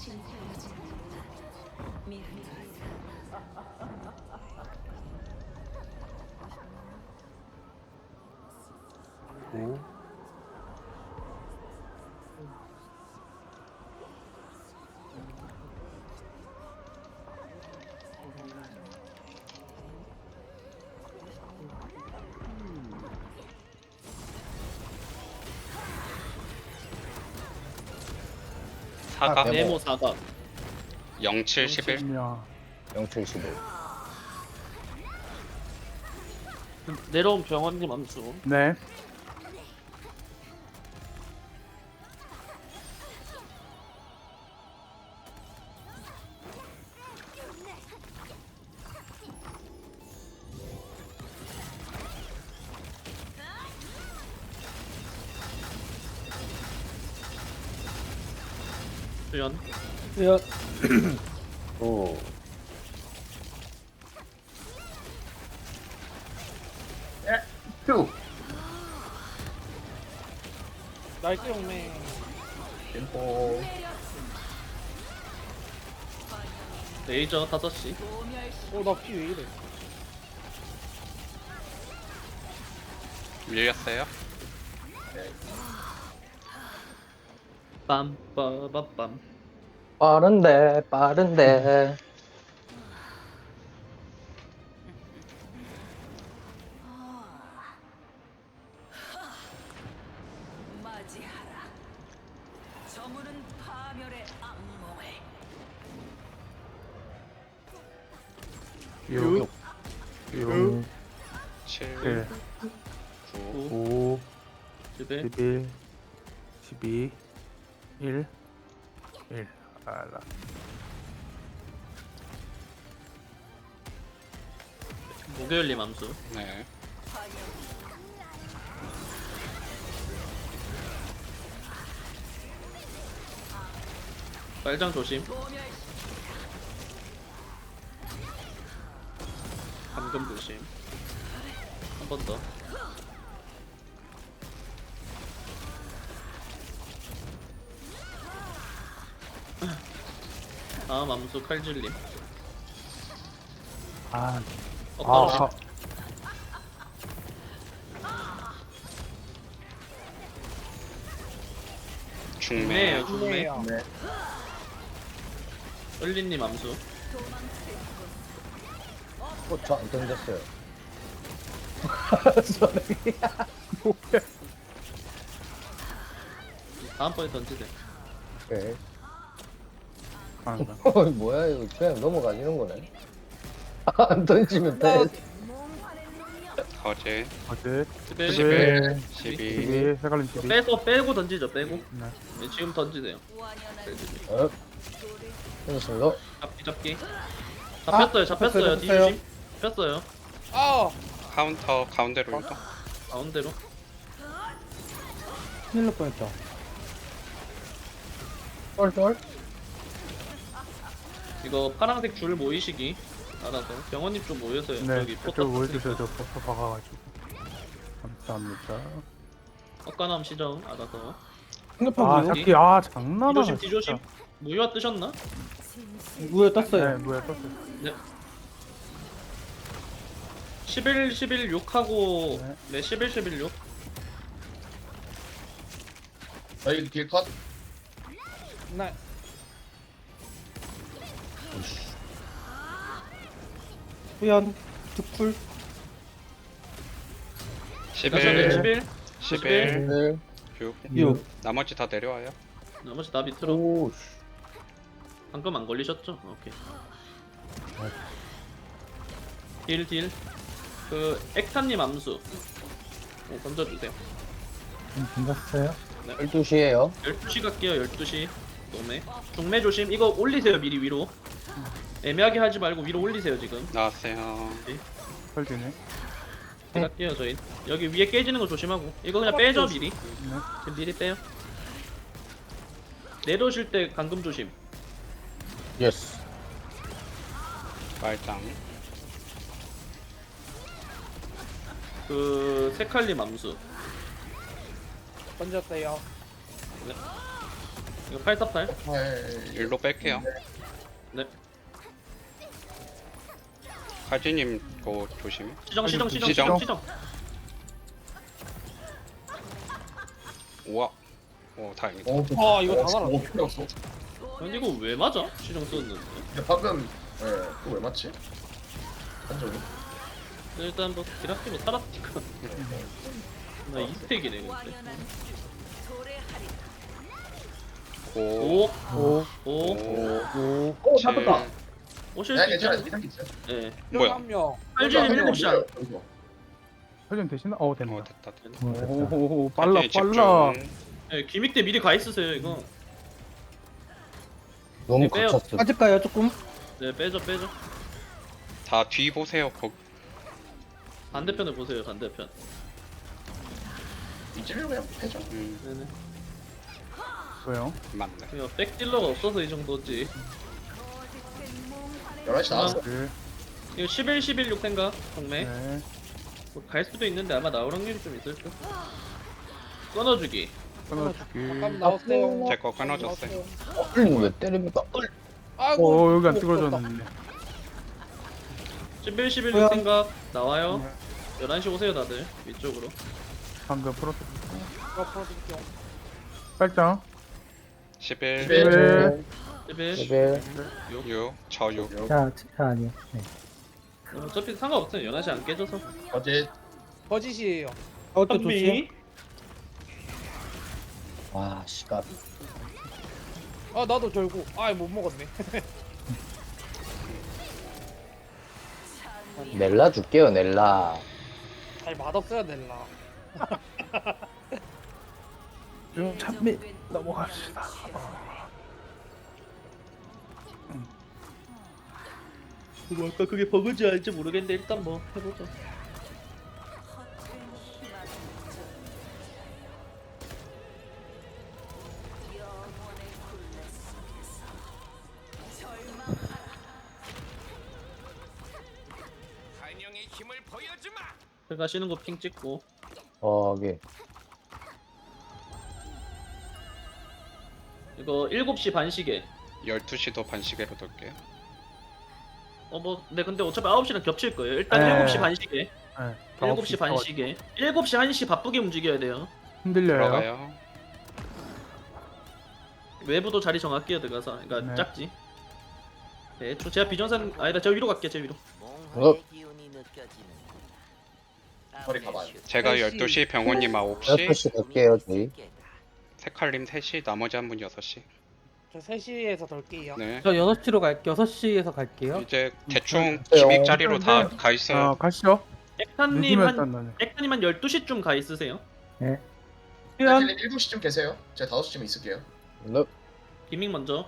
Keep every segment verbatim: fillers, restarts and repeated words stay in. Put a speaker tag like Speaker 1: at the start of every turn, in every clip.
Speaker 1: 오.
Speaker 2: 사각
Speaker 3: 아, 네모.
Speaker 2: 네모 사각
Speaker 4: 영칠 십일.
Speaker 1: 야.
Speaker 3: 영칠십일.
Speaker 2: 내려온 병원님 암수.
Speaker 1: 네.
Speaker 2: 수연
Speaker 5: 수연
Speaker 3: 오. 쭉.
Speaker 5: 나이스 용맹.
Speaker 3: 템포.
Speaker 2: 레이저 다섯 시.
Speaker 5: 어나 피 왜 이래?
Speaker 4: 밀렸어요.
Speaker 2: 빰빠바빰.
Speaker 3: 빠른데, 빠른데.
Speaker 6: 맞이하라. 저물은 파멸의 악몽을.
Speaker 1: 육. 육.
Speaker 4: 칠,
Speaker 1: 일.
Speaker 4: 구,
Speaker 1: 오.
Speaker 2: 집에
Speaker 1: 십일. 십이. 일. 일. 알아.
Speaker 2: 목요일님 암수.
Speaker 4: 네.
Speaker 2: 빨장 조심. 감금 조심. 한 번 더. 다음 암수 칼질님.
Speaker 1: 아.
Speaker 2: 어,
Speaker 1: 아.
Speaker 2: 중매예요
Speaker 4: 중매.
Speaker 2: 중매.
Speaker 5: 중매요.
Speaker 3: 네.
Speaker 2: 을리님 암수.
Speaker 3: 어, 저안 던졌어요.
Speaker 2: 다음번에 던지세요.
Speaker 3: 오케이.
Speaker 1: 아.
Speaker 3: 어, 뭐야, 이거. 그냥 넘어가지는 거네. 안 던지면 돼.
Speaker 4: 거제
Speaker 1: 어제.
Speaker 2: 집에
Speaker 4: 십일,
Speaker 2: 십이.
Speaker 4: 십이,
Speaker 1: 십이. 색깔은 십이.
Speaker 2: 빼서 빼고 던지죠 빼고.
Speaker 1: 네.
Speaker 2: 네, 지금 던지세요.
Speaker 3: 어. 던졌습니다.
Speaker 2: 잡기 잡기. 잡혔어요 잡혔어요. 뒤
Speaker 5: 잡혔어요.
Speaker 2: 조심. 잡혔어요.
Speaker 5: 아
Speaker 4: 카운터 가운데로 이동.
Speaker 2: 가운데로.
Speaker 5: 큰일 날 뻔했다.
Speaker 3: 쫄쫄.
Speaker 2: 이거 파란색 줄 모이시기 알아서 병원님 좀 모여서요.
Speaker 1: 네.
Speaker 2: 여기
Speaker 1: 저쪽
Speaker 2: 포터
Speaker 1: 보여주세요. 저 포터 박아가지고. 감사합니다.
Speaker 2: 엇간함 시정 알아서.
Speaker 5: 핸드폰
Speaker 1: 아,
Speaker 5: 무효?
Speaker 1: 잡기. 아, 장난하네.
Speaker 2: 뒤조심 뒤조심. 무효화 뜨셨나?
Speaker 5: 무효
Speaker 1: 네,
Speaker 5: 떴어요.
Speaker 1: 뭐야, 떴어요.
Speaker 2: 네. 십일 십일 육 하고
Speaker 1: 네.
Speaker 2: 네 십일 십일 육.
Speaker 3: 저희 길 컷.
Speaker 5: 나 수연 득풀
Speaker 2: 십일
Speaker 4: 십일,
Speaker 2: 십일
Speaker 4: 십일,
Speaker 3: 네.
Speaker 4: 육.
Speaker 5: 육.
Speaker 4: 나머지 다 내려와요.
Speaker 2: 나머지 다 밑으로.
Speaker 3: 오, 씨.
Speaker 2: 방금 안 걸리셨죠? 오케이. 딜 딜. 그 액타님 암수. 어, 던져주세요.
Speaker 3: 던졌어요? 열두 시에요.
Speaker 2: 열두 시 갈게요. 열두 시. 노매. 중매 조심. 이거 올리세요. 미리 위로. 애매하게 하지 말고 위로 올리세요 지금.
Speaker 4: 나왔어요.
Speaker 1: 펄지네.
Speaker 2: 네. 갈게요 저희. 여기 위에 깨지는 거 조심하고. 이거 그냥 빼죠 미리. 지금 미리 빼요. 내려오실 때 감금 조심.
Speaker 3: 예스.
Speaker 4: 말짱.
Speaker 2: 그 세칼리 맘수.
Speaker 5: 던졌어요.
Speaker 2: 이거 팔사팔.
Speaker 4: 일로 뺄게요.
Speaker 2: 네.
Speaker 4: 칼지님 거 조심.
Speaker 2: 시정 시정 시정
Speaker 4: 시정.
Speaker 2: 시정 시정.
Speaker 4: 우와. 오 다행이다.
Speaker 3: 어,
Speaker 5: 아, 이거 다 날아.
Speaker 3: 어, 필요 없어.
Speaker 2: 근데 이거 왜 맞아? 시정 썼는데.
Speaker 7: 근데 방금 예, 그거 왜 맞지? 한정이?
Speaker 2: 일단 뭐 기락기로 살았니까. 나 이스택이네 근데.
Speaker 6: 완연한 도래하리라.
Speaker 4: 오.
Speaker 2: 오,
Speaker 1: 오,
Speaker 2: 오,
Speaker 1: 오.
Speaker 3: 어, 잡았다.
Speaker 2: 오실
Speaker 7: 야
Speaker 2: 수
Speaker 7: 괜찮아
Speaker 2: 있죠?
Speaker 7: 이상 있어.
Speaker 2: 예.
Speaker 4: 뭐야?
Speaker 5: 한 명.
Speaker 2: 팔진님 일곱 시 안.
Speaker 1: 설정 되시나? 어,
Speaker 4: 어
Speaker 1: 됐네.
Speaker 4: 됐다. 됐다.
Speaker 1: 오, 빨라,
Speaker 4: 칼진이
Speaker 1: 빨라.
Speaker 4: 집중.
Speaker 2: 예, 기믹 때 미리 가 있으세요 이거.
Speaker 3: 너무
Speaker 2: 빼요.
Speaker 3: 갇혔어.
Speaker 5: 빠질까요, 조금?
Speaker 2: 네, 빼죠, 빼죠.
Speaker 4: 다 뒤 보세요. 거
Speaker 2: 반대편을 보세요, 반대편.
Speaker 7: 이쯤이면 그냥 해줘.
Speaker 4: 음
Speaker 2: 네네.
Speaker 1: 왜요?
Speaker 4: 맞네.
Speaker 2: 그냥 백딜러가 없어서 이 정도지.
Speaker 6: 거짓된 몽환의
Speaker 7: 열한 시 나왔어.
Speaker 1: 네.
Speaker 2: 이거 십일, 십일, 육 생각, 정매.
Speaker 1: 네.
Speaker 2: 뭐갈 수도 있는데 아마 나올 확률이 좀 있을 듯. 끊어주기.
Speaker 1: 끊어주기.
Speaker 5: 잠깐 나왔어요.
Speaker 4: 제 거 끊어졌어요.
Speaker 3: 어, 흘림 왜 때립니까?
Speaker 5: 아이고.
Speaker 1: 어, 여기 안
Speaker 5: 부끄럽다.
Speaker 1: 뜯어졌는데.
Speaker 2: 십일, 십일,
Speaker 5: 뭐야?
Speaker 2: 육 생각 나와요.
Speaker 1: 네.
Speaker 2: 열한 시 오세요, 다들. 위쪽으로.
Speaker 1: 방금 프로토.
Speaker 5: 제가 풀어드릴게요.
Speaker 1: 빨장.
Speaker 4: 십일,
Speaker 7: 십일.
Speaker 1: 네.
Speaker 2: 십일,
Speaker 3: 레벨.
Speaker 4: 육, 저 육.
Speaker 8: 자, 자 아니요. 네.
Speaker 2: 어차피 상관없어요. 열한 시 안 깨져서.
Speaker 7: 어제
Speaker 5: 거짓이에요. 어때 좋지?
Speaker 3: 와, 시간.
Speaker 5: 아, 나도 결국. 아, 못 먹었네.
Speaker 3: 넬라 줄게요, 넬라.
Speaker 5: 잘 맛없어야 될라.
Speaker 1: 좀 참미 넘어갑시다.
Speaker 2: 뭐 아까 그게 버그지 아닌지 모르겠는데 일단 뭐 해보자.
Speaker 6: 허튼 희망. 영원의 굴레 속에서 절망하라.
Speaker 2: 가시는 거 핑 찍고.
Speaker 3: 어, 이게.
Speaker 2: 이거 일곱 시 반 시계.
Speaker 4: 열두 시도 반시계로 돌게요.
Speaker 2: 어 뭐, 네 근데 어차피 아홉 시랑 겹칠 거예요. 일단
Speaker 1: 네.
Speaker 2: 일곱 시 반 시계.
Speaker 1: 네.
Speaker 2: 일곱 시 반 시계. 일곱 시 한 시 바쁘게 움직여야 돼요.
Speaker 1: 흔들려요.
Speaker 4: 들어가요.
Speaker 2: 외부도 자리 정할게요 들어가서. 그러니까
Speaker 1: 네.
Speaker 2: 작지. 네, 저 제가 비전산 아니다. 저 위로 갈게요. 제 위로.
Speaker 3: 어.
Speaker 7: 머리 가봐요.
Speaker 4: 제가
Speaker 5: 세 시.
Speaker 4: 열두 시, 병원님 아홉 시,
Speaker 3: 열두 시 갈게요, 저희.
Speaker 4: 세칼님 세 시, 나머지 한 분 여섯 시.
Speaker 5: 저 세 시에서 덜게요.
Speaker 4: 네.
Speaker 8: 저 여섯 시로 갈게요. 여섯 시에서 갈게요.
Speaker 4: 이제 대충
Speaker 3: 네.
Speaker 4: 기믹 자리로 다
Speaker 1: 네.
Speaker 4: 가 있어요.
Speaker 1: 아, 가시죠.
Speaker 2: 액타님
Speaker 1: 늦으면
Speaker 2: 한
Speaker 1: 일단 나는.
Speaker 2: 액타님 한 열두 시쯤 가 있으세요.
Speaker 8: 네.
Speaker 5: 수연.
Speaker 7: 일곱 시쯤 계세요. 제가 다섯 시쯤 있을게요.
Speaker 3: 너,
Speaker 2: 기믹 먼저.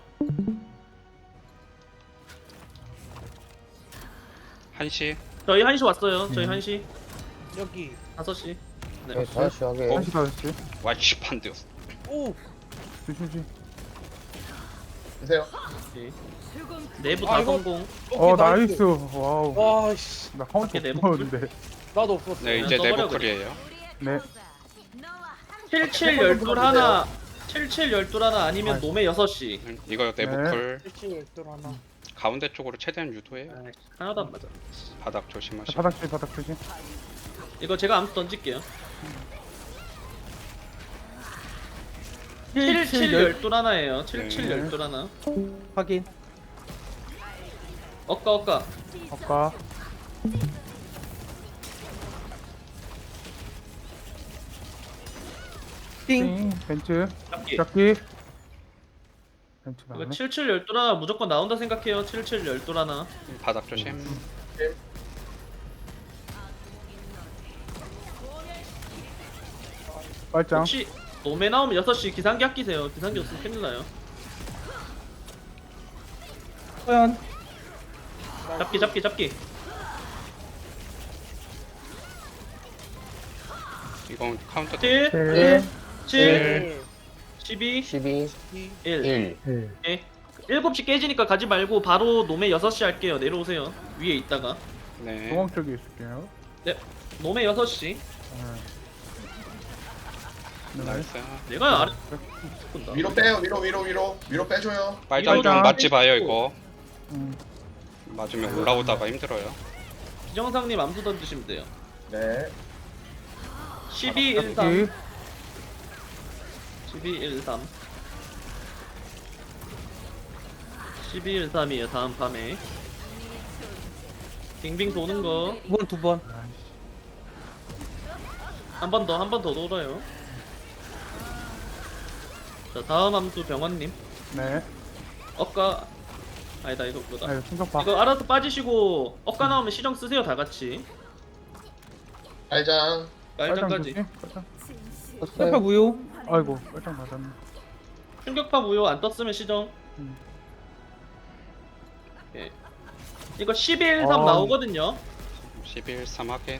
Speaker 4: 한 시.
Speaker 2: 저희 한 시 왔어요. 저희
Speaker 1: 음.
Speaker 2: 한 시.
Speaker 5: 여기.
Speaker 2: 다섯 시. 네.
Speaker 3: 네, 다시 하게.
Speaker 1: 한시 다섯 시.
Speaker 4: 와이씨 판데였어.
Speaker 5: 오.
Speaker 1: 주시지.
Speaker 7: 계세요.
Speaker 2: 네. 내부
Speaker 5: 아,
Speaker 2: 다
Speaker 5: 이거-
Speaker 2: 성공.
Speaker 5: 오케이,
Speaker 1: 어, 나이스. 와우.
Speaker 5: 와, 씨.
Speaker 1: 나 카운터
Speaker 2: 밖에 내부
Speaker 1: 없었는데.
Speaker 5: 나도 없었어.
Speaker 4: 네
Speaker 2: 그냥
Speaker 4: 이제
Speaker 2: 써버려,
Speaker 4: 내부클이에요.
Speaker 1: 네.
Speaker 2: 칠칠 열둘 하나. 칠칠 열둘 하나 아니면
Speaker 1: 아이고.
Speaker 2: 놈의 여섯 시.
Speaker 4: 음, 이거 내부클
Speaker 5: 일치 열둘 하나.
Speaker 4: 가운데 쪽으로 최대한 유도해요.
Speaker 2: 아, 하나도 안 맞아.
Speaker 4: 바닥 조심하시고.
Speaker 1: 바닥 줄 바닥 주지.
Speaker 2: 이거 제가 암수 던질게요. 칠칠 열둘 하나예요. 칠칠
Speaker 4: 네.
Speaker 2: 열둘 하나.
Speaker 8: 확인.
Speaker 2: 엇가 엇가.
Speaker 1: 아까
Speaker 8: 띵.
Speaker 1: 띵 벤츠
Speaker 2: 잡기.
Speaker 1: 잡기. 벤츠
Speaker 2: 이거
Speaker 1: 나네.
Speaker 2: 칠칠 열둘 하나 무조건 나온다 생각해요. 칠칠 열둘 하나.
Speaker 4: 바닥 조심.
Speaker 1: 빨장.
Speaker 2: 혹시 놈에 나오면 여섯 시 기상기 아끼세요. 기상기 없으면 큰일 나요.
Speaker 8: 수연.
Speaker 2: 잡기 잡기 잡기.
Speaker 4: 이건 카운터.
Speaker 2: 칠,
Speaker 1: 칠.
Speaker 2: 칠, 십이,
Speaker 3: 십이,
Speaker 2: 일.
Speaker 3: 일.
Speaker 8: 네.
Speaker 2: 예. 일곱 시 깨지니까 가지 말고 바로 놈에 여섯 시 할게요. 내려오세요. 위에 있다가.
Speaker 4: 네.
Speaker 1: 중앙 쪽에 있을게요.
Speaker 2: 놈에 여섯 시.
Speaker 1: 네. 네.
Speaker 4: 나이스.
Speaker 2: 내가 아래 본다.
Speaker 7: 위로 빼요 위로 위로 위로 위로 빼줘요.
Speaker 4: 빨장 좀
Speaker 1: 빨장.
Speaker 4: 맞지 봐요 이거.
Speaker 1: 음.
Speaker 4: 맞으면 올라오다가 힘들어요.
Speaker 2: 기정상님 암수 던지시면 돼요.
Speaker 7: 네.
Speaker 2: 십이 일삼
Speaker 1: 여기.
Speaker 2: 십이 일삼 십이 일삼이에요 다음 밤에. 빙빙 도는 거
Speaker 8: 두 번, 두 번.
Speaker 2: 한 번 더 한 번 더 돌아요. 자 다음 함수 병원님.
Speaker 1: 네.
Speaker 2: 억가 아니다 이거 그거다.
Speaker 1: 아, 이거 충격파.
Speaker 2: 이거 알아서 빠지시고 억가 나오면 시정 쓰세요 다 같이.
Speaker 7: 빨장.
Speaker 2: 깔장까지.
Speaker 1: 조심. 빨장.
Speaker 8: 옆에
Speaker 3: 떴어요.
Speaker 8: 무효.
Speaker 1: 아이고, 빨장 맞았네.
Speaker 2: 충격파 무효 안 떴으면 시정.
Speaker 1: 음.
Speaker 2: 예. 이거 십이 일삼
Speaker 1: 어.
Speaker 2: 나오거든요.
Speaker 4: 십일 삼 확인.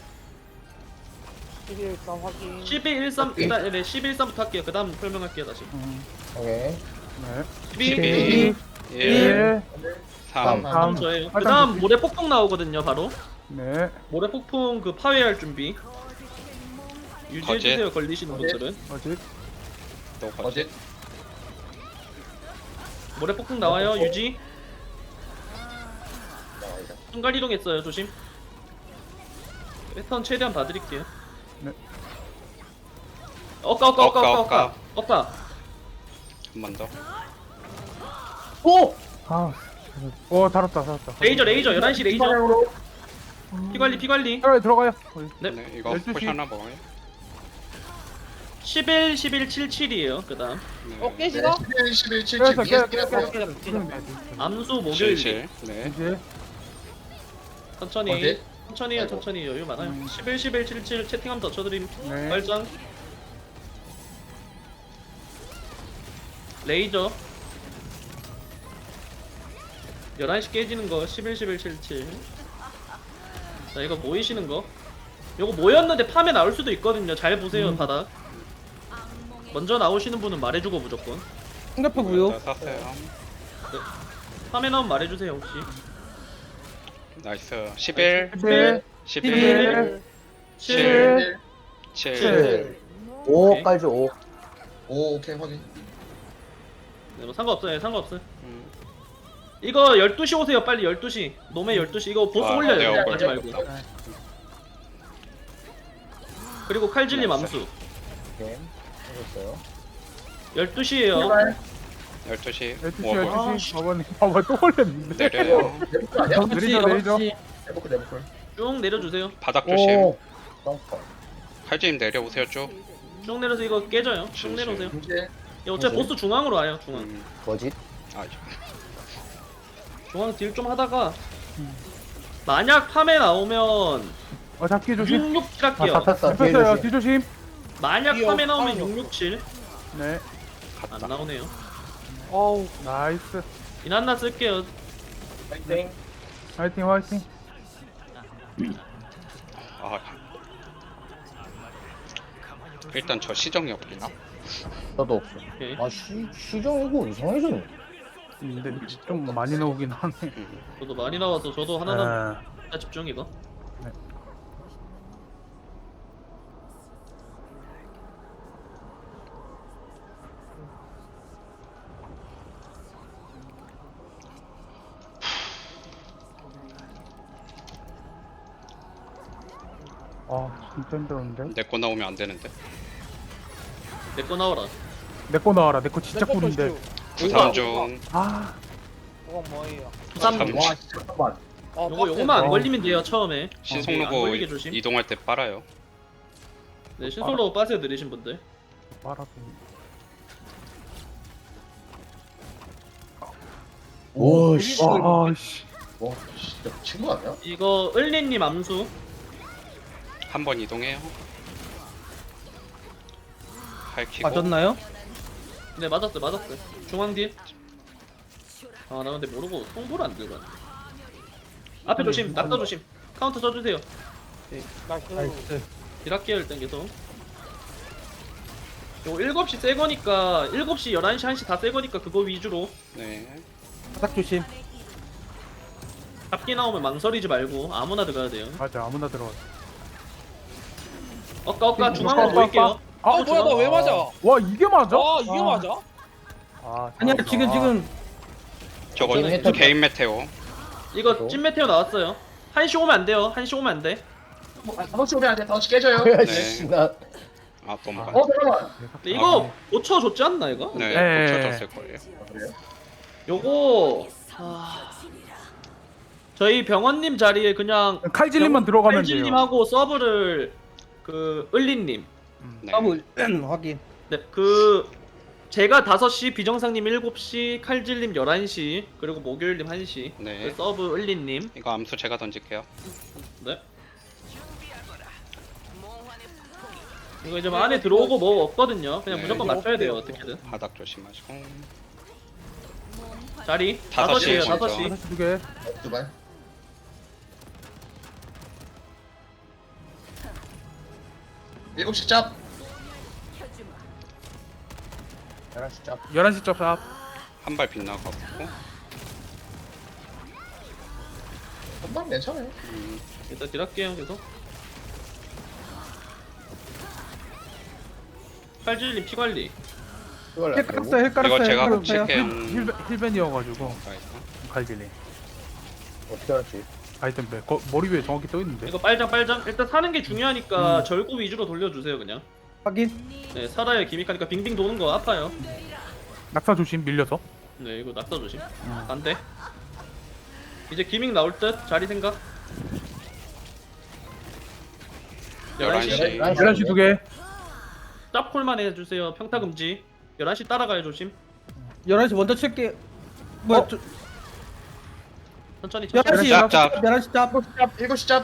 Speaker 5: 십일 점 확인.
Speaker 2: 십이 일삼 일단 네 십이 일삼부터 할게요. 그 다음 설명할게요 다시.
Speaker 1: 음.
Speaker 3: 오케이.
Speaker 1: 네.
Speaker 2: 십이
Speaker 4: 십이, 일,
Speaker 1: 일.
Speaker 4: 삼.
Speaker 7: 삼.
Speaker 2: 다음 저예요. 그
Speaker 1: 빨장
Speaker 2: 다음
Speaker 1: 조심.
Speaker 2: 모래 폭풍 나오거든요 바로.
Speaker 1: 네.
Speaker 2: 모래 폭풍 그 파괴할 준비. 유지해주세요 걸리시는
Speaker 7: 거짓.
Speaker 2: 분들은.
Speaker 1: 어디?
Speaker 4: 또 거짓.
Speaker 7: 어디?
Speaker 2: 모래 폭풍 나와요
Speaker 7: 폭풍.
Speaker 2: 유지.
Speaker 7: 나와요.
Speaker 2: 순간 이동했어요 조심. 패턴 최대한 봐드릴게요.
Speaker 1: 네.
Speaker 2: 억까 억까 억까
Speaker 4: 억까,
Speaker 2: 억까 억까 억까.
Speaker 4: 한 번 더.
Speaker 3: 오!
Speaker 1: 아. 오, 달았다, 달았다.
Speaker 2: 레이저 레이저 열한 시 레이저.
Speaker 7: 방향으로.
Speaker 2: 피관리 피관리.
Speaker 1: 들어가요, 들어가요. 어이.
Speaker 2: 네.
Speaker 4: 네, 이거
Speaker 1: 열두 시.
Speaker 4: 포션 하나 먹어요.
Speaker 2: 십일 십일 칠칠이에요 그 다음.
Speaker 4: 네.
Speaker 5: 어
Speaker 7: 네.
Speaker 5: 깨지나?
Speaker 7: 십일 십일 칠칠
Speaker 1: 깨졌어,
Speaker 7: 위에
Speaker 1: 깨졌어,
Speaker 7: 끼라고요.
Speaker 1: 깨졌어.
Speaker 5: 깨졌어.
Speaker 2: 암수 목요일
Speaker 4: 칠칠. 네.
Speaker 1: 이제.
Speaker 2: 천천히
Speaker 7: 어디?
Speaker 2: 천천히 해요
Speaker 7: 아이고.
Speaker 2: 천천히 여유 많아요.
Speaker 1: 음.
Speaker 2: 십일 십일 칠칠 채팅 한번 더 쳐드림.
Speaker 1: 네.
Speaker 2: 발장 레이저 열한 시 깨지는 거 십일 십일 칠칠. 자 이거 모이시는 거 요거 모였는데 팜에 나올 수도 있거든요. 잘 보세요
Speaker 1: 음.
Speaker 2: 바닥. 먼저 나오시는 분은 말해주고 무조건.
Speaker 8: 옆에 무효.
Speaker 4: 자, 샀어요.
Speaker 2: 팜에 나오면 말해주세요 혹시.
Speaker 4: 나이스. 십일,
Speaker 1: 일.
Speaker 4: 십일,
Speaker 1: 일.
Speaker 2: 칠
Speaker 4: 칠.
Speaker 2: 칠.
Speaker 3: 오,
Speaker 2: 오케이.
Speaker 3: 깔죠, 오.
Speaker 7: 오 오케이 확인.
Speaker 2: 네, 뭐 상관없어요 예, 상관없어요.
Speaker 4: 음.
Speaker 2: 이거 열두 시 오세요 빨리 열두 시. 노메 열두 시 이거 보스
Speaker 4: 아,
Speaker 2: 올려요.
Speaker 4: 네,
Speaker 2: 하지
Speaker 4: 올려요.
Speaker 2: 말고. 그리고 칼질님
Speaker 4: 나이스.
Speaker 2: 암수
Speaker 3: 오케이. 해줬어요.
Speaker 2: 열두 시에요.
Speaker 4: 열두 시.
Speaker 1: 열두 시,
Speaker 4: 뭐,
Speaker 1: 열두 시. 봐봐, 봐봐, 또 올렸는데.
Speaker 4: 내려요.
Speaker 7: 내부클 아니야?
Speaker 1: 레이저, 레이저.
Speaker 7: 내부클 내부클.
Speaker 2: 쭉 내려주세요.
Speaker 4: 바닥 조심.
Speaker 3: 오! 점프.
Speaker 4: 칼집 내려오세요 쭉.
Speaker 2: 쭉 내려서 이거 깨져요. 쭉
Speaker 4: 실,
Speaker 2: 내려오세요.
Speaker 7: 이제
Speaker 2: 이거 어차피
Speaker 3: 실.
Speaker 2: 보스 중앙으로 와요. 중앙.
Speaker 4: 음.
Speaker 3: 거짓.
Speaker 4: 아,
Speaker 2: 중앙 딜 좀 하다가 만약 팜에 나오면
Speaker 1: 어, 잡기 조심.
Speaker 2: 육육칠
Speaker 3: 아,
Speaker 2: 할게요.
Speaker 3: 잡혔어. 뒤에
Speaker 1: 잡혔어요,
Speaker 3: 조심.
Speaker 1: 뒤조심.
Speaker 2: 만약
Speaker 5: 이어,
Speaker 2: 팜에 나오면
Speaker 5: 아니요.
Speaker 2: 육육칠.
Speaker 1: 네.
Speaker 2: 안 나오네요.
Speaker 5: 어우.
Speaker 1: 나이스.
Speaker 2: 이난나 쓸게요.
Speaker 7: 파이팅.
Speaker 1: 화이팅, 화이팅.
Speaker 4: 아. 일단 저 시정이 없구나.
Speaker 3: 저도 없어.
Speaker 2: 오케이.
Speaker 3: 아, 시, 시정 이거 이상해졌네.
Speaker 1: 근데 좀 많이 나오긴 하네.
Speaker 4: 음.
Speaker 2: 저도 많이 나와서 저도 하나는
Speaker 1: 아,
Speaker 2: 집중 이거.
Speaker 1: 아, 진짜 힘들었는데.
Speaker 4: 내 거 나오면 안 되는데.
Speaker 2: 내 거 나와라.
Speaker 1: 내 거 나와라. 내 거 진짜 꿀인데.
Speaker 4: 부산 중.
Speaker 1: 아,
Speaker 5: 그건 뭐예요?
Speaker 2: 부산
Speaker 4: 삼.
Speaker 7: 와 잠깐만.
Speaker 5: 어,
Speaker 2: 요거
Speaker 5: 빡세.
Speaker 2: 요거만 안
Speaker 1: 어.
Speaker 2: 걸리면 돼요 처음에.
Speaker 4: 신속
Speaker 2: 네, 안
Speaker 4: 로고
Speaker 2: 걸리게 조심.
Speaker 4: 이동할 때 빨아요.
Speaker 2: 네 신속로 빠세요 느리신 분들.
Speaker 1: 빨아도.
Speaker 3: 오, 씨.
Speaker 1: 아, 씨.
Speaker 7: 와 진짜 미친 거 아니야?
Speaker 2: 이거 을리님 암수.
Speaker 4: 한 번 이동해요. 할키고.
Speaker 8: 맞았나요?
Speaker 2: 네 맞았어요 맞았어요. 중앙 딜. 아 나 근데 모르고 통보를 안 들고 왔네. 앞에 조심 낙타 조심. 카운터 쳐주세요.
Speaker 5: 나이스.
Speaker 8: 나이스.
Speaker 2: 딜할게요 일단 계속. 요거 일곱 시 새 거니까 일곱 시 열한 시 한 시 다 새 거니까 그거 위주로.
Speaker 4: 네.
Speaker 8: 바닥 조심.
Speaker 2: 잡기 나오면 망설이지 말고 아무나 들어가야 돼요.
Speaker 1: 맞아, 아무나 들어가.
Speaker 2: 엇까 엇까 중앙으로 모일게요.
Speaker 5: 아 뭐야 나 왜 맞아?
Speaker 1: 와 이게 맞아?
Speaker 5: 아 이게 맞아?
Speaker 1: 아,
Speaker 8: 아니야
Speaker 1: 잘한다.
Speaker 8: 지금 지금
Speaker 4: 저거
Speaker 3: 게임 했던
Speaker 4: 개인 메테오.
Speaker 2: 이거 찐 메테오 나왔어요. 한시 오면 안 돼요. 한시 오면 안 돼.
Speaker 7: 뭐, 아, 다섯 시 오면 안돼 다섯 시 깨져요.
Speaker 3: 야,
Speaker 4: 네.
Speaker 3: 씨, 나
Speaker 4: 아 넘어가.
Speaker 7: 어 잠깐만.
Speaker 2: 근데 이거 고쳐 줬지 않나 이거?
Speaker 4: 네,
Speaker 1: 네.
Speaker 4: 고쳐졌을 거예요.
Speaker 7: 아, 그래요?
Speaker 2: 요거 아, 저희 병원님 자리에 그냥
Speaker 1: 칼질님만 들어가면 돼요.
Speaker 2: 칼질님하고 서브를 그 을리님.
Speaker 4: 네.
Speaker 8: 더블 확인.
Speaker 2: 네, 그 제가 다섯 시, 비정상님 일곱 시, 칼질님 열한 시, 그리고 목요일님 한 시.
Speaker 4: 네.
Speaker 2: 그 서브 을리님.
Speaker 4: 이거 암수 제가 던질게요.
Speaker 2: 네. 이거 이제 뭐 안에 들어오고 뭐 없거든요. 그냥
Speaker 4: 네.
Speaker 2: 무조건 맞춰야 돼요 어떻게든.
Speaker 4: 바닥 조심하시고.
Speaker 2: 자리
Speaker 4: 다섯
Speaker 2: 다섯
Speaker 4: 시
Speaker 2: 시에요
Speaker 4: 먼저.
Speaker 2: 다섯 시.
Speaker 1: 다섯 시 두 개.
Speaker 7: 두발. 일곱 시 짭.
Speaker 3: 열한 시 짭.
Speaker 1: 열한 시 짭샵.
Speaker 4: 한 발 빗나가고.
Speaker 7: 한방 괜찮아요.
Speaker 4: 음,
Speaker 2: 일단 딜할게요 계속. 칼질님 피 관리.
Speaker 3: 이걸
Speaker 8: 힐 깔았어요 힐 깔았어요.
Speaker 4: 이거 제가
Speaker 8: 힐 깔았어요.
Speaker 4: 칠게요.
Speaker 1: 힐 힐벤이어가지고
Speaker 4: 나이스.
Speaker 1: 칼질님.
Speaker 3: 어떻게 알았지?
Speaker 1: 아이템 백. 거, 머리 위에 정확히 떠 있는데.
Speaker 2: 이거 빨장 빨장. 일단 사는 게 중요하니까 절구 위주로 돌려주세요 그냥.
Speaker 8: 확인.
Speaker 2: 네 살아야 기믹하니까 빙빙 도는 거 아파요.
Speaker 1: 낙사 조심 밀려서.
Speaker 2: 네 이거 낙사 조심. 안돼. 이제 기믹 나올 듯. 자리 생각. 열한 시.
Speaker 4: 열한 시.
Speaker 1: 열한 시 두 개.
Speaker 2: 짭콜만 해주세요. 평타 금지. 열한 시 따라가요 조심.
Speaker 8: 열한 시 먼저 칠게. 뭐야?
Speaker 1: 어?
Speaker 8: 저-
Speaker 2: 천천히
Speaker 8: 열한
Speaker 2: 천천히.
Speaker 8: 시
Speaker 4: 짭, 짭.
Speaker 8: 열한 시 짭.
Speaker 7: 짭. 일곱 시 짭.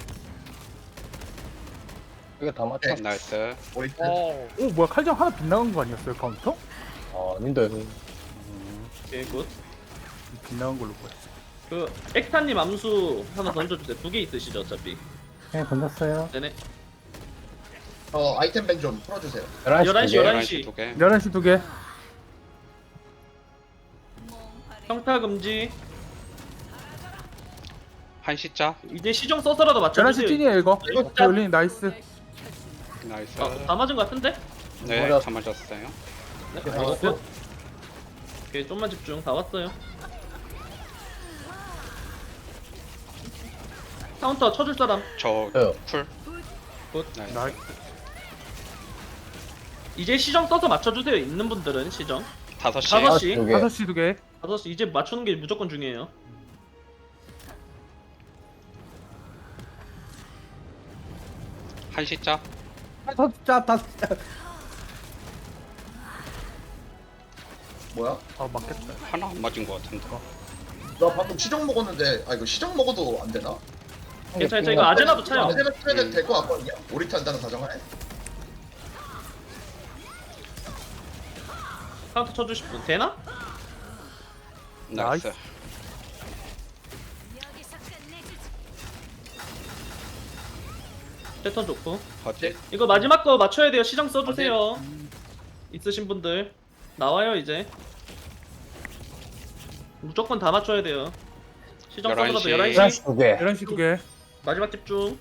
Speaker 3: 이거 다 맞춰?
Speaker 4: 나이스.
Speaker 7: 우리
Speaker 5: 어.
Speaker 1: 오 뭐야 칼장 하나 빗나간 거 아니었어요 카운터?
Speaker 3: 아, 아닌데.
Speaker 2: 오케이 굿.
Speaker 1: 빗나간 걸로 보였어.
Speaker 2: 그 엑타님 암수 하나 던져주세요. 두 개 있으시죠 어차피.
Speaker 8: 네 던졌어요.
Speaker 2: 네네.
Speaker 7: 어 아이템 밴 좀 풀어주세요.
Speaker 3: 열한 시
Speaker 2: 열한
Speaker 3: 두
Speaker 2: 시,
Speaker 3: 개.
Speaker 2: 열한
Speaker 4: 열한
Speaker 2: 시.
Speaker 4: 시 두 개.
Speaker 1: 열한 시 두 개.
Speaker 2: 평타 금지.
Speaker 4: 한 시자.
Speaker 2: 이제 시정 써서라도
Speaker 1: 열한 시
Speaker 2: 맞춰주세요.
Speaker 1: 찐이에요 이거.
Speaker 2: 이거
Speaker 1: 오케이 올린 나이스.
Speaker 4: 나이스.
Speaker 2: 아, 다 맞은 거 같은데?
Speaker 4: 네,
Speaker 3: 맞았어.
Speaker 4: 다 맞았어요.
Speaker 2: 네.
Speaker 3: 네,
Speaker 2: 어,
Speaker 3: 나이스.
Speaker 2: 오케이 좀만 집중. 다 왔어요. 카운터 쳐줄 사람.
Speaker 4: 저
Speaker 3: 저요.
Speaker 4: 쿨.
Speaker 2: 굿.
Speaker 4: 나이스.
Speaker 1: 나이스.
Speaker 2: 이제 시정 써서 맞춰주세요. 있는 분들은 시정.
Speaker 4: 다섯 시.
Speaker 2: 다섯
Speaker 3: 다섯
Speaker 2: 시.
Speaker 3: 시 두 개.
Speaker 1: 다섯 시 두 개.
Speaker 2: 다섯 시 이제 맞추는 게 무조건 중요해요.
Speaker 4: 한 시자.
Speaker 8: 다섯 시 짭. 다섯 시 짭.
Speaker 7: 뭐야?
Speaker 1: 아 맞겠다.
Speaker 4: 하나 안 맞은 것 같은데.
Speaker 7: 나 방금 시정 먹었는데 아 이거 시정 먹어도 안 되나?
Speaker 2: 괜찮아, 괜찮아. 이거 아제나도 차요.
Speaker 7: 아제나 쓰면
Speaker 4: 음.
Speaker 7: 될것 같거든요. 오리트 한다는 가정하에.
Speaker 2: 카운터 쳐주실 분 되나?
Speaker 4: 나이스.
Speaker 1: 나이스.
Speaker 2: 패턴 좋고.
Speaker 4: 어디?
Speaker 2: 이거 마지막 거 맞춰야 돼요. 시정 써주세요. 있으신 분들 나와요 이제. 무조건 다 맞춰야 돼요. 시정
Speaker 4: 열한
Speaker 2: 써서라도
Speaker 4: 시.
Speaker 2: 열한
Speaker 3: 열한
Speaker 2: 시.
Speaker 3: 시 두 개.
Speaker 1: 열한 시 두 개.
Speaker 2: 마지막 집중.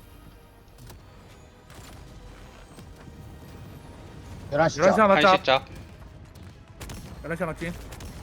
Speaker 3: 열한 시
Speaker 1: 열한 시
Speaker 3: 짭.
Speaker 1: 하나
Speaker 4: 한
Speaker 1: 짭.
Speaker 4: 시자.
Speaker 1: 열한 시 하나 찐.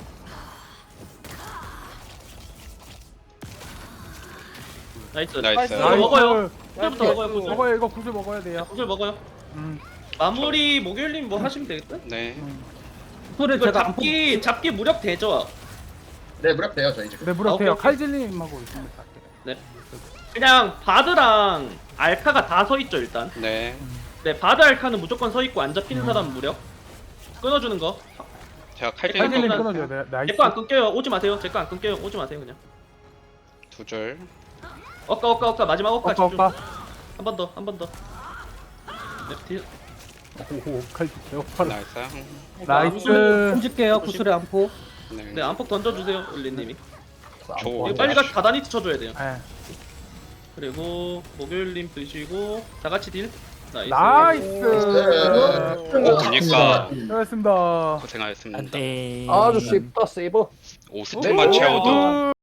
Speaker 2: 나이스.
Speaker 4: 나이스.
Speaker 2: 이거 먹어요.
Speaker 1: 나이스.
Speaker 2: 구슬부터 먹어요. 구슬.
Speaker 1: 먹어요 이거 구슬 먹어야 돼요.
Speaker 2: 구슬 먹어요.
Speaker 1: 음.
Speaker 2: 마무리 목요일님 뭐 하시면 되겠다.
Speaker 4: 네.
Speaker 8: 소리
Speaker 2: 이거
Speaker 8: 제가 안 뽑.
Speaker 2: 잡기 잡기 무력 되죠.
Speaker 7: 네 무렵 돼요 저희 지금.
Speaker 1: 네
Speaker 2: 아,
Speaker 1: 무릎
Speaker 2: 오케이,
Speaker 1: 돼요.
Speaker 2: 오케이.
Speaker 1: 칼질님하고 있습니다.
Speaker 2: 네. 그냥 바드랑 알카가 다 서 있죠 일단.
Speaker 4: 네.
Speaker 2: 네 바드 알카는 무조건 서 있고 안 잡히는 사람 무력. 끊어주는 거.
Speaker 4: 제가 칼질
Speaker 1: 칼질님
Speaker 2: 칼질님
Speaker 1: 끊어줘야 돼. 나이스.
Speaker 2: 제 거 안 끊겨요. 오지 마세요. 제 거 안 끊겨요. 오지 마세요 그냥.
Speaker 4: 두 줄.
Speaker 2: 엇가 엇가 엇가 마지막 엇가
Speaker 1: 오빠
Speaker 2: 집중.
Speaker 1: 오빠.
Speaker 2: 한 번 더 한 번 더. 네, 딜.
Speaker 1: 오호 칼질 개오빠.
Speaker 4: 나이스.
Speaker 1: 나이스.
Speaker 8: 던질게요. 구슬의 안포.
Speaker 4: 네.
Speaker 2: 네 안폭 던져주세요 을리님이.
Speaker 4: 조.
Speaker 2: 이거 빨리 가 다다니 쳐줘야 돼요.
Speaker 1: 네.
Speaker 2: 그리고 목요일님 드시고 다 같이 딜. 나이스.
Speaker 1: 나이스.
Speaker 4: 오, 보니까
Speaker 1: 수고하셨습니다.
Speaker 4: 고생하셨습니다.
Speaker 3: 아주 쉽다 세이버.
Speaker 4: 오 스택만 채워도